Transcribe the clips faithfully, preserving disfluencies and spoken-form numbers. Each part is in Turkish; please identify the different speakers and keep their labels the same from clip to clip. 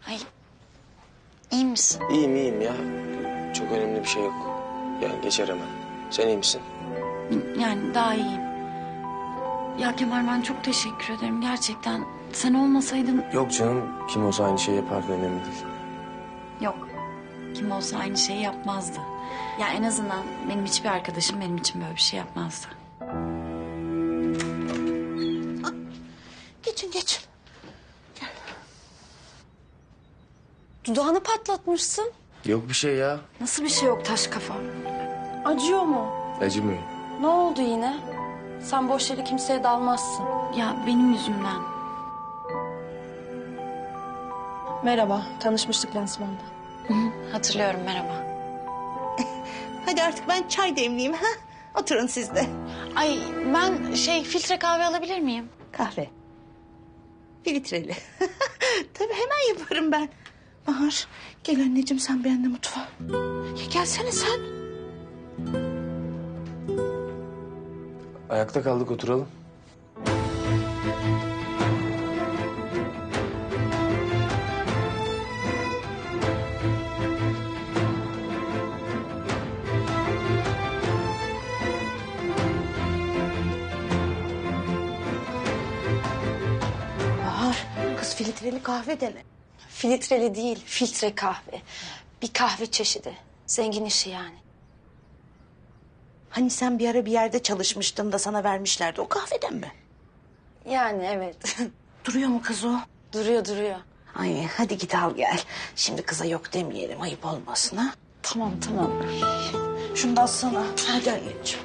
Speaker 1: Ay, iyi misin?
Speaker 2: İyiyim iyiyim ya. Çok önemli bir şey yok. Yani geçer hemen. Sen iyi misin?
Speaker 1: Yani daha iyiyim. Ya Kemal ben çok teşekkür ederim gerçekten. Sen olmasaydın...
Speaker 2: Yok canım. Kim olsa aynı şeyi yapardı, önemli değil.
Speaker 1: Yok. Kim olsa aynı şeyi yapmazdı. Ya en azından benim hiçbir arkadaşım benim için böyle bir şey yapmazdı.
Speaker 3: Geçin geçin. Gel. Dudağını patlatmışsın.
Speaker 2: Yok bir şey ya.
Speaker 1: Nasıl bir şey yok taş kafa?
Speaker 3: Acıyor mu?
Speaker 2: Acımıyor.
Speaker 3: Ne oldu yine? Sen boş yere kimseye dalmazsın.
Speaker 1: Ya benim yüzümden.
Speaker 3: Merhaba, tanışmıştık lansmanda.
Speaker 1: Hatırlıyorum, merhaba.
Speaker 4: Hadi artık ben çay demleyeyim ha. Oturun siz de.
Speaker 1: Ay ben şey filtre kahve alabilir miyim?
Speaker 4: Kahve. Filtreli. Tabii hemen yaparım ben. Bahar gel anneciğim sen benimle mutfağa. Ya gelsene sen.
Speaker 2: Ayakta kaldık, oturalım.
Speaker 4: Bahar kız filtreli kahve dene.
Speaker 3: Filtreli değil, filtre kahve. Bir kahve çeşidi. Zengin işi yani.
Speaker 4: Hani sen bir ara bir yerde çalışmıştın da sana vermişlerdi o kahveden mi?
Speaker 3: Yani evet.
Speaker 4: Duruyor mu kız o?
Speaker 3: Duruyor duruyor.
Speaker 4: Ay hadi git al gel. Şimdi kıza yok demeyelim ayıp olmasın ha.
Speaker 3: Tamam tamam.
Speaker 4: Şunu da alsana. Hadi anneciğim.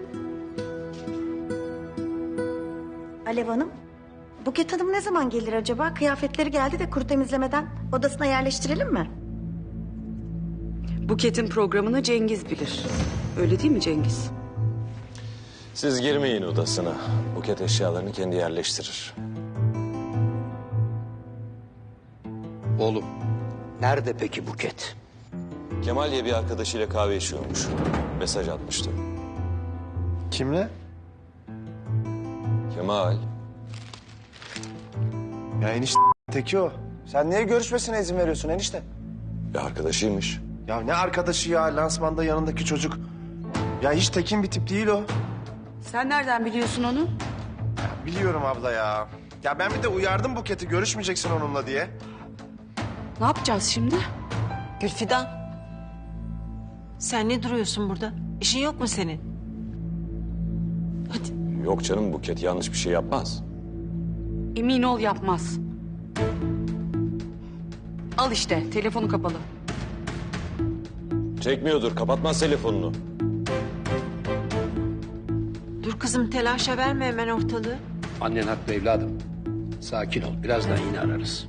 Speaker 5: Alev Hanım, Buket Hanım ne zaman gelir acaba? Kıyafetleri geldi de kuru temizlemeden odasına yerleştirelim mi?
Speaker 6: Buket'in programını Cengiz bilir. Öyle değil mi Cengiz?
Speaker 2: Siz girmeyin odasına. Buket eşyalarını kendi yerleştirir.
Speaker 7: Oğlum, nerede peki Buket?
Speaker 2: Kemal diye bir arkadaşıyla kahve içiyormuş. Mesaj atmıştı.
Speaker 8: Kimle?
Speaker 2: Kemal.
Speaker 8: Ya enişte teki o. Sen niye görüşmesine izin veriyorsun enişte?
Speaker 2: Bir arkadaşıymış.
Speaker 8: Ya ne arkadaşı ya, lansmanda yanındaki çocuk. Ya hiç tekin bir tip değil o.
Speaker 6: Sen nereden biliyorsun onu?
Speaker 8: Ya biliyorum abla ya. Ya ben bir de uyardım Buket'i, görüşmeyeceksin onunla diye.
Speaker 6: Ne yapacağız şimdi?
Speaker 9: Gülfidan. Sen ne duruyorsun burada? İşin yok mu senin? Hadi.
Speaker 2: Yok canım, Buket yanlış bir şey yapmaz.
Speaker 6: Emin ol yapmaz. Al işte telefonu kapalı.
Speaker 2: Çekmiyordur, kapatmaz telefonunu.
Speaker 9: Dur kızım telaşa verme hemen ortalığı.
Speaker 7: Annen haklı evladım. Sakin ol, birazdan yine ararız.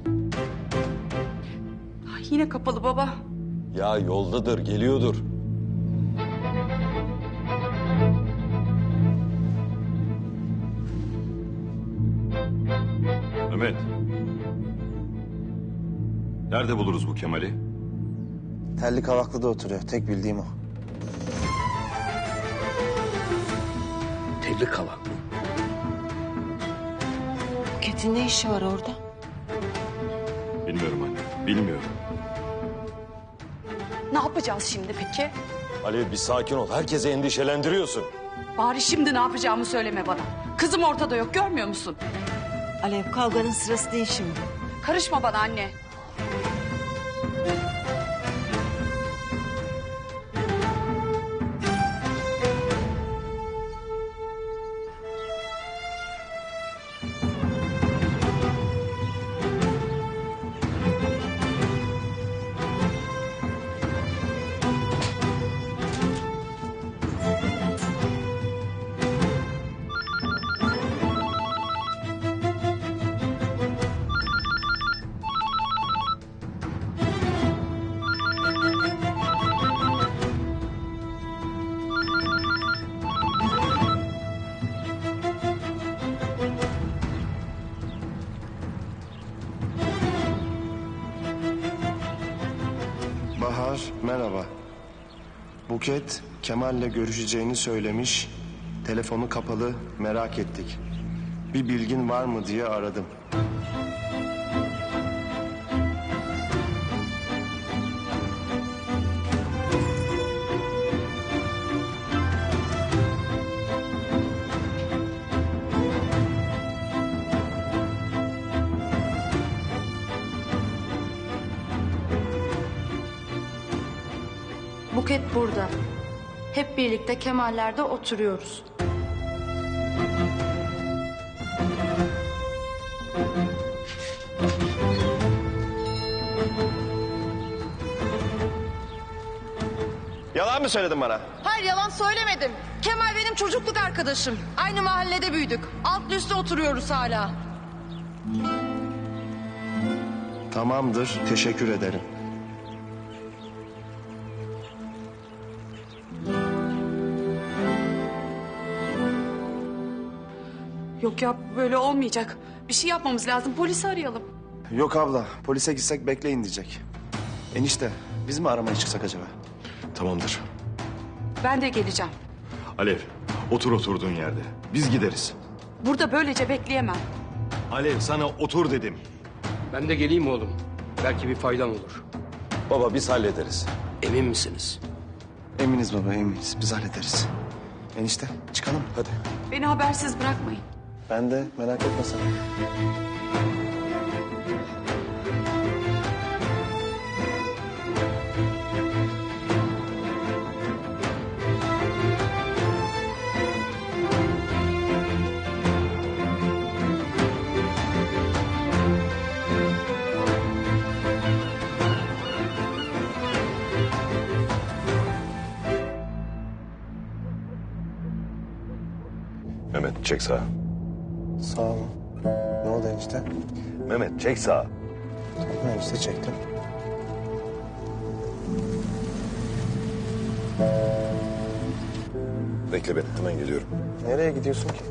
Speaker 6: Ay, yine kapalı baba.
Speaker 2: Ya yoldadır, geliyordur.
Speaker 10: Mehmet. Nerede buluruz bu Kemal'i?
Speaker 8: Telli Kavaklı'da oturuyor, tek bildiğim o.
Speaker 7: Telli kavak mı?
Speaker 9: Buket'in ne işi var orada?
Speaker 10: Bilmiyorum anne, bilmiyorum.
Speaker 6: Ne yapacağız şimdi peki?
Speaker 2: Alev bir sakin ol, herkese endişelendiriyorsun.
Speaker 6: Bari şimdi ne yapacağımı söyleme bana. Kızım ortada yok görmüyor musun?
Speaker 9: Alev kavganın sırası değil şimdi.
Speaker 6: Karışma bana anne.
Speaker 8: Bahar, merhaba. Buket, Kemal'le görüşeceğini söylemiş. Telefonu kapalı, merak ettik. Bir bilgin var mı diye aradım.
Speaker 3: Buket burada. Hep birlikte Kemaller'de oturuyoruz.
Speaker 8: Yalan mı söyledin bana?
Speaker 6: Hayır yalan söylemedim. Kemal benim çocukluk arkadaşım. Aynı mahallede büyüdük. Altlı üstte oturuyoruz hala.
Speaker 8: Tamamdır, teşekkür ederim.
Speaker 6: Yok ya böyle olmayacak. Bir şey yapmamız lazım. Polisi arayalım.
Speaker 8: Yok abla, polise gitsek bekleyin diyecek. Enişte, biz mi aramaya çıksak acaba?
Speaker 10: Tamamdır.
Speaker 6: Ben de geleceğim.
Speaker 10: Alev, otur oturduğun yerde. Biz gideriz.
Speaker 6: Burada böylece bekleyemem.
Speaker 10: Alev, sana otur dedim.
Speaker 7: Ben de geleyim oğlum. Belki bir faydam olur.
Speaker 10: Baba, biz hallederiz.
Speaker 7: Emin misiniz?
Speaker 8: Eminiz baba, eminiz. Biz hallederiz. Enişte, çıkalım.
Speaker 10: Hadi.
Speaker 6: Beni habersiz bırakmayın.
Speaker 8: Ben de, merak etme sen.
Speaker 10: Mehmet, çek sağa.
Speaker 8: Sağ olun. Ne oldu enişte?
Speaker 10: Mehmet, çek sağa.
Speaker 8: Tamam enişte, çektim.
Speaker 10: Bekle beni, hemen geliyorum.
Speaker 8: Nereye gidiyorsun ki?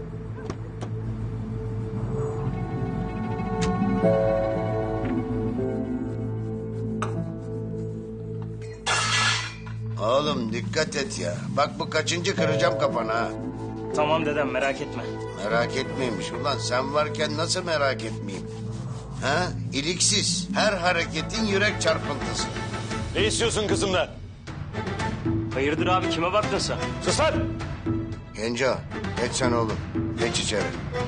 Speaker 11: Oğlum dikkat et ya. Bak bu kaçıncı kıracağım kafanı ha.
Speaker 2: Tamam dedem merak etme.
Speaker 11: Merak etmeymiş ulan. Sen varken nasıl merak etmeyeyim? Ha? İliksiz. Her hareketin yürek çarpıntısı.
Speaker 10: Ne istiyorsun kızımdan?
Speaker 2: Hayırdır abi kime baktın sen?
Speaker 10: Sus lan!
Speaker 11: Genco geç sen oğlum. Geç içeri.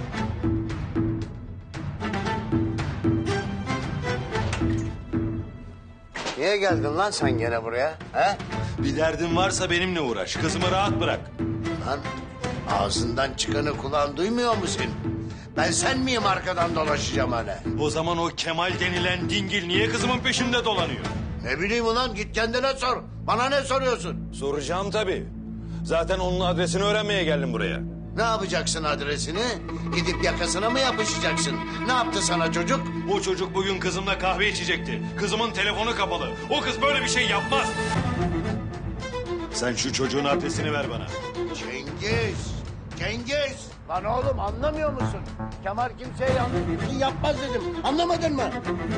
Speaker 11: Niye geldin lan sen gene buraya? Ha?
Speaker 10: Bir derdin varsa benimle uğraş. Kızımı rahat bırak.
Speaker 11: Lan ağzından çıkanı kulağın duymuyor mu senin? Ben sen miyim arkadan dolaşacağım hani?
Speaker 10: O zaman o Kemal denilen dingil niye kızımın peşinde dolanıyor?
Speaker 11: Ne bileyim ulan git kendine sor. Bana ne soruyorsun?
Speaker 10: Soracağım tabii. Zaten onun adresini öğrenmeye geldim buraya.
Speaker 11: Ne yapacaksın adresini? Gidip yakasına mı yapışacaksın? Ne yaptı sana çocuk?
Speaker 10: O çocuk bugün kızımla kahve içecekti. Kızımın telefonu kapalı. O kız böyle bir şey yapmaz. Sen şu çocuğun adresini ver bana.
Speaker 11: Cengiz! Cengiz! Lan oğlum anlamıyor musun? Kemal kimseye yanlış bir şey yapmaz dedim. Anlamadın mı?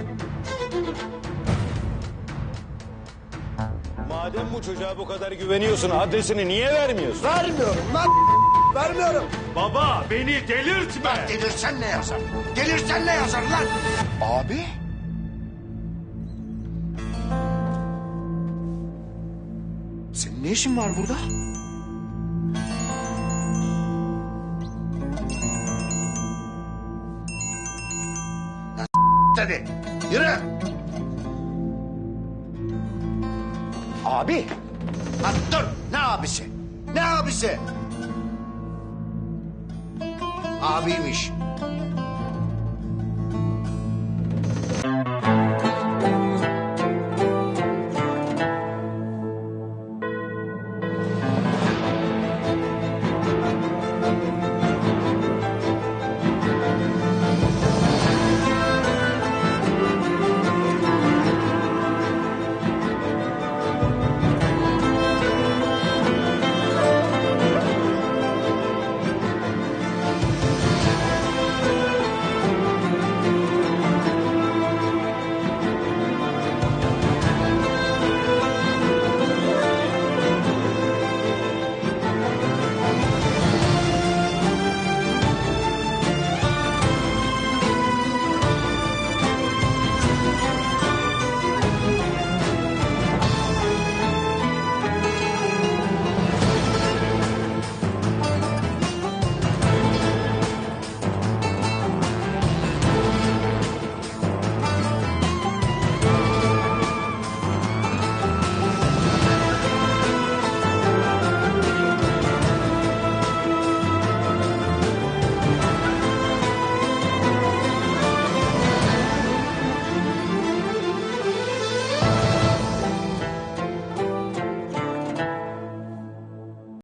Speaker 10: Madem bu çocuğa bu kadar güveniyorsun adresini niye vermiyorsun?
Speaker 11: Vermiyorum lan! Vermiyorum!
Speaker 10: Baba beni delirtme.
Speaker 11: Lan delirsen ne yazar? Delirsen ne yazar lan?
Speaker 8: Abi? Senin ne işin var burada?
Speaker 11: Hadi yürü!
Speaker 8: Abi!
Speaker 11: Lan dur! Ne abisi? Ne abisi? Abiymiş.